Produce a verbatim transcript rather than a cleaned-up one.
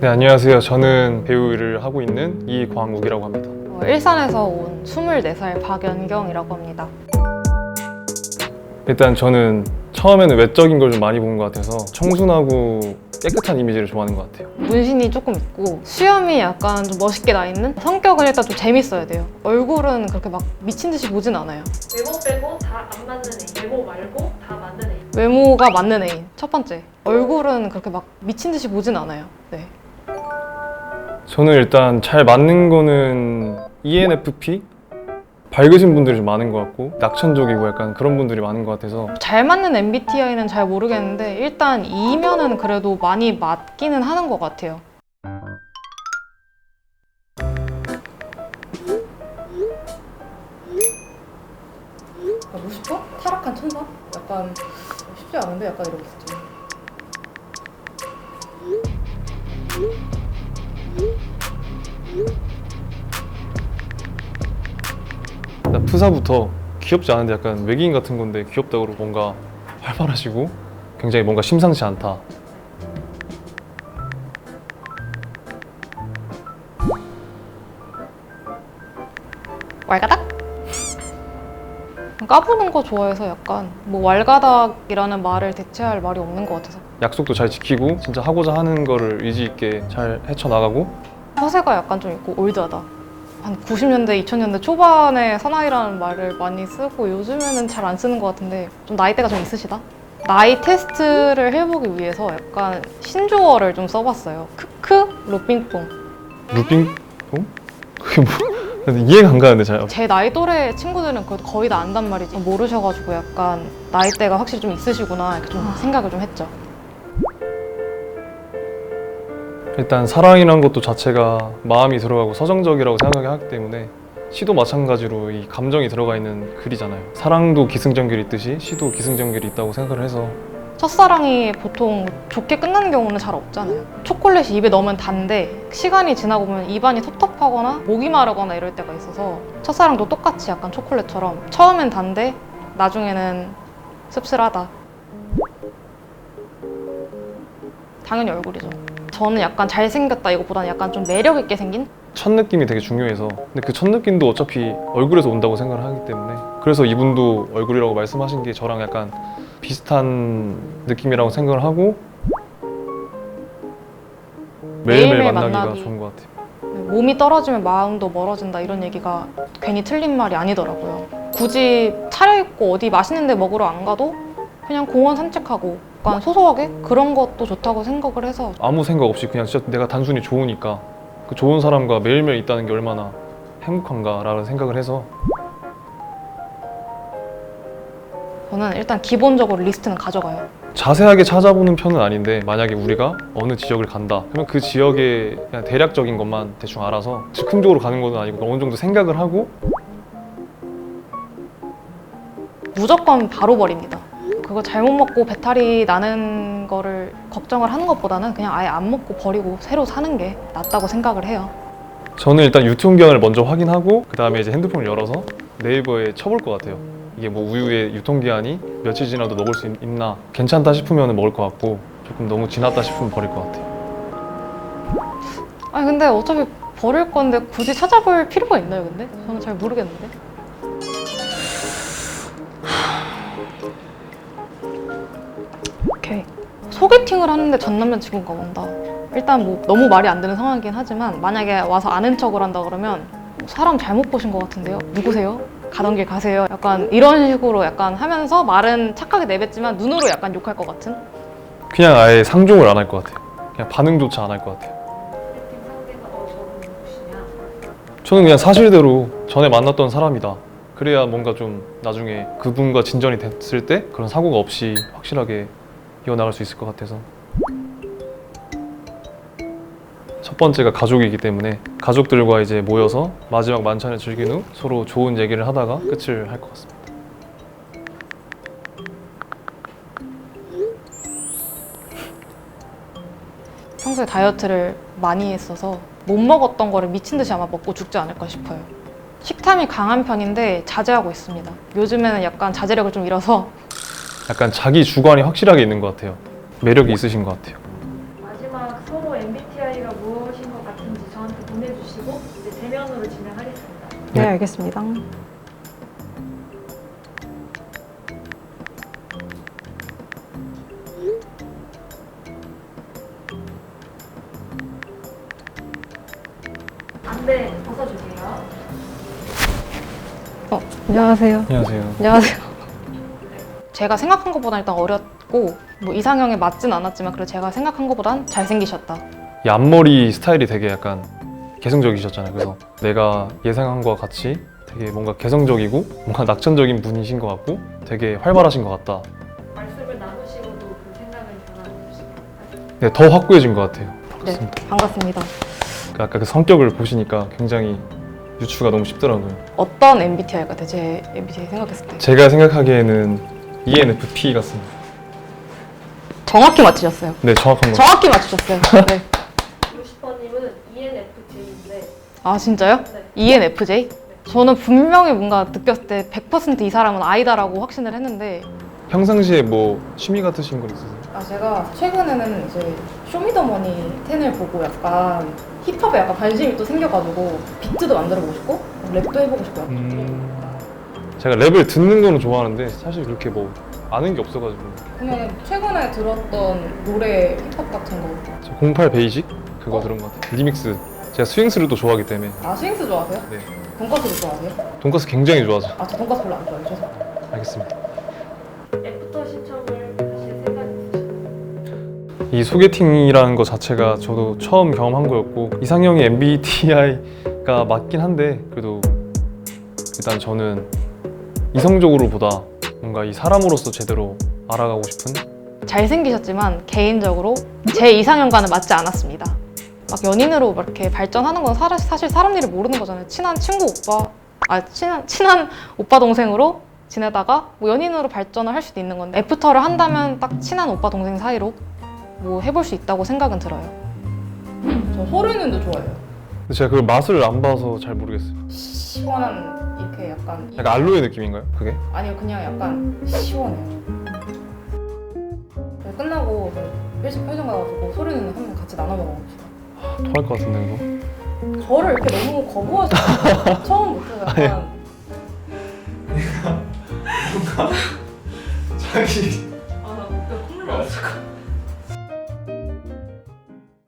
네, 안녕하세요. 저는 배우 일을 하고 있는 이광욱이라고 합니다. 어, 일산에서 온 스물네 살 박연경이라고 합니다. 일단 저는 처음에는 외적인 걸 좀 많이 본 것 같아서 청순하고 깨끗한 이미지를 좋아하는 것 같아요. 문신이 조금 있고 수염이 약간 좀 멋있게 나 있는, 성격은 일단 좀 재밌어야 돼요. 얼굴은 그렇게 막 미친 듯이 보진 않아요. 외모 빼고 다 안 맞는 애인, 외모 말고 다 맞는 애인. 외모가 맞는 애인, 첫 번째. 얼굴은 그렇게 막 미친 듯이 보진 않아요. 네. 저는 일단 잘 맞는 거는 이엔에프피? 밝으신 분들이 좀 많은 것 같고 낙천적이고 약간 그런 분들이 많은 것 같아서 잘 맞는 엠비티아이는 잘 모르겠는데 일단 E면은 그래도 많이 맞기는 하는 것 같아요. 오십 번? 타락한 천사? 약간 쉽지 않은데 약간 이러고 있었죠. 일단 프사부터 귀엽지 않은데 약간 외계인 같은 건데 귀엽다고 뭔가 활발하시고 굉장히 뭔가 심상치 않다. 왈가닥? 까부는 거 좋아해서 약간 뭐 왈가닥이라는 말을 대체할 말이 없는 것 같아서 약속도 잘 지키고 진짜 하고자 하는 거를 의지 있게 잘 헤쳐나가고 허세가 약간 좀 있고 올드하다. 한 구십 년대, 이천 년대 초반에 사나이라는 말을 많이 쓰고 요즘에는 잘 안 쓰는 것 같은데 좀 나이대가 좀 있으시다? 나이 테스트를 해보기 위해서 약간 신조어를 좀 써봤어요. 크크, 루빙뽕. 루빙? 어? 그게 뭐? 근데 이해가 안 가는데 잘. 제 나이 또래 친구들은 그래도 거의 다 안단 말이지. 모르셔가지고 약간 나이대가 확실히 좀 있으시구나 이렇게 좀 생각을 좀 했죠. 일단 사랑이란 것도 자체가 마음이 들어가고 서정적이라고 생각을 하기 때문에 시도 마찬가지로 이 감정이 들어가 있는 글이잖아요. 사랑도 기승전결이 있듯이 시도 기승전결이 있다고 생각을 해서 첫사랑이 보통 좋게 끝나는 경우는 잘 없잖아요. 초콜릿이 입에 넣으면 단데 시간이 지나고 보면 입안이 텁텁하거나 목이 마르거나 이럴 때가 있어서 첫사랑도 똑같이 약간 초콜릿처럼 처음엔 단데 나중에는 씁쓸하다. 당연히 얼굴이죠. 저는 약간 잘생겼다 이거보다는 약간 좀 매력 있게 생긴? 첫 느낌이 되게 중요해서 근데 그 첫 느낌도 어차피 얼굴에서 온다고 생각을 하기 때문에 그래서 이분도 얼굴이라고 말씀하신 게 저랑 약간 비슷한 느낌이라고 생각을 하고 매일매일 매일매일 만나기가 만나기. 좋은 것 같아요. 몸이 떨어지면 마음도 멀어진다 이런 얘기가 괜히 틀린 말이 아니더라고요. 굳이 차려입고 어디 맛있는 데 먹으러 안 가도 그냥 공원 산책하고 약간 소소하게 그런 것도 좋다고 생각을 해서 아무 생각 없이 그냥 진짜 내가 단순히 좋으니까 그 좋은 사람과 매일매일 있다는 게 얼마나 행복한가라는 생각을 해서 저는 일단 기본적으로 리스트는 가져가요. 자세하게 찾아보는 편은 아닌데 만약에 우리가 어느 지역을 간다 그러면 그 지역의 그냥 대략적인 것만 대충 알아서 즉흥적으로 가는 건 아니고 어느 정도 생각을 하고 무조건 바로 버립니다. 그거 잘못 먹고 배탈이 나는 거를 걱정을 하는 것보다는 그냥 아예 안 먹고 버리고 새로 사는 게 낫다고 생각을 해요. 저는 일단 유통기한을 먼저 확인하고 그 다음에 이제 핸드폰을 열어서 네이버에 쳐볼 것 같아요. 이게 뭐 우유의 유통기한이 며칠 지나도 먹을 수 있, 있나 괜찮다 싶으면 먹을 것 같고 조금 너무 지났다 싶으면 버릴 것 같아요. 아니 근데 어차피 버릴 건데 굳이 찾아볼 필요가 있나요 근데? 저는 잘 모르겠는데. 오케이. 소개팅을 하는데 전 남자 친구가 온다. 일단 뭐 너무 말이 안 되는 상황이긴 하지만 만약에 와서 아는 척을 한다 그러면 사람 잘못 보신 것 같은데요? 누구세요? 가던 길 가세요. 약간 이런 식으로 약간 하면서 말은 착하게 내뱉지만 눈으로 약간 욕할 것 같은? 그냥 아예 상종을 안 할 것 같아요. 그냥 반응조차 안 할 것 같아요. 채팅 상대가 어 저분 누구시냐? 저는 그냥 사실대로 전에 만났던 사람이다. 그래야 뭔가 좀 나중에 그분과 진전이 됐을 때 그런 사고가 없이 확실하게 이어나갈 수 있을 것 같아서 첫 번째가 가족이기 때문에 가족들과 이제 모여서 마지막 만찬을 즐긴 후 서로 좋은 얘기를 하다가 끝을 할 것 같습니다. 평소에 다이어트를 많이 했어서 못 먹었던 거를 미친 듯이 아마 먹고 죽지 않을까 싶어요. 식탐이 강한 편인데 자제하고 있습니다. 요즘에는 약간 자제력을 좀 잃어서 약간 자기 주관이 확실하게 있는 것 같아요. 매력이 있으신 것 같아요. 마지막 서로 엠비티아이가 보내주시고 이제 대면으로 진행하겠습니다. 네, 네. 알겠습니다. 안대 벗어주세요. 어, 안녕하세요. 안녕하세요. 안녕하세요. 제가 생각한 것보다 일단 어렸고 뭐 이상형에 맞진 않았지만 그래도 제가 생각한 것보단 잘생기셨다. 이 앞머리 스타일이 되게 약간 개성적이셨잖아요. 그래서 내가 예상한 것과 같이 되게 뭔가 개성적이고 뭔가 낙천적인 분이신 것 같고 되게 활발하신 것 같다. 말씀을 나누시고도 그 생각은 변함없으시고 네, 더 확고해진 것 같아요. 네, 반갑습니다. 그 아까 그 성격을 보시니까 굉장히 유추가 너무 쉽더라고요. 어떤 엠비티아이가 돼? 제 엠비티아이 생각했을 때 제가 생각하기에는 이엔에프피 같습니다. 정확히 맞추셨어요. 네, 정확한 거. 정확히 맞추셨어요. 네. 루시퍼님은 이엔에프제이인데 아 진짜요? 네. 이엔에프제이? 저는 분명히 뭔가 느꼈을 때 백 퍼센트 이 사람은 아이다라고 확신을 했는데 평상시에 뭐 취미 같으신 거 있으세요? 아 제가 최근에는 이제 쇼미더머니 텐을 보고 약간 힙합에 약간 관심이 또 생겨가지고 비트도 만들어보고 싶고 랩도 해보고 싶고요. 음... 제가 랩을 듣는 거는 좋아하는데 사실 그렇게 뭐 아는 게 없어가지고 그러면 최근에 들었던 노래 힙합 같은 거. 저 공팔 베이직 그거 들은 것 같아요. 리믹스. 제가 스윙스를 또 좋아하기 때문에. 아 스윙스 좋아하세요? 네. 돈까스도 좋아하세요? 돈까스 굉장히 좋아하죠. 아 저 돈까스 별로 안 좋아해요. 죄송해요. 알겠습니다. 애프터 신청을 하실 생각 있으신가요? 이 소개팅이라는 것 자체가 저도 처음 경험한 거였고 이상형이 엠비티아이가 맞긴 한데 그래도 일단 저는 이성적으로 보다 뭔가 이 사람으로서 제대로 알아가고 싶은 잘생기셨지만 개인적으로 제 이상형과는 맞지 않았습니다. 막 연인으로 막 이렇게 발전하는 건 사실, 사실 사람 일을 모르는 거잖아요. 친한 친구 오빠, 아 친한 친한 오빠 동생으로 지내다가 뭐 연인으로 발전을 할 수도 있는 건데 애프터를 한다면 딱 친한 오빠 동생 사이로 뭐 해볼 수 있다고 생각은 들어요. 저 소르는도 좋아해요. 근데 제가 그 맛을 안 봐서 잘 모르겠어요. 시원한 이렇게 약간 약간 알로에 느낌인가요? 그게? 아니요 그냥 약간 시원해요. 그래서 끝나고 일식 편의점 가가지고 소르는 한번 같이 나눠 먹어보고 싶어요. 토할 것 같은데 이거? 저를 이렇게 너무 거부하시는 처음부터 약간 자기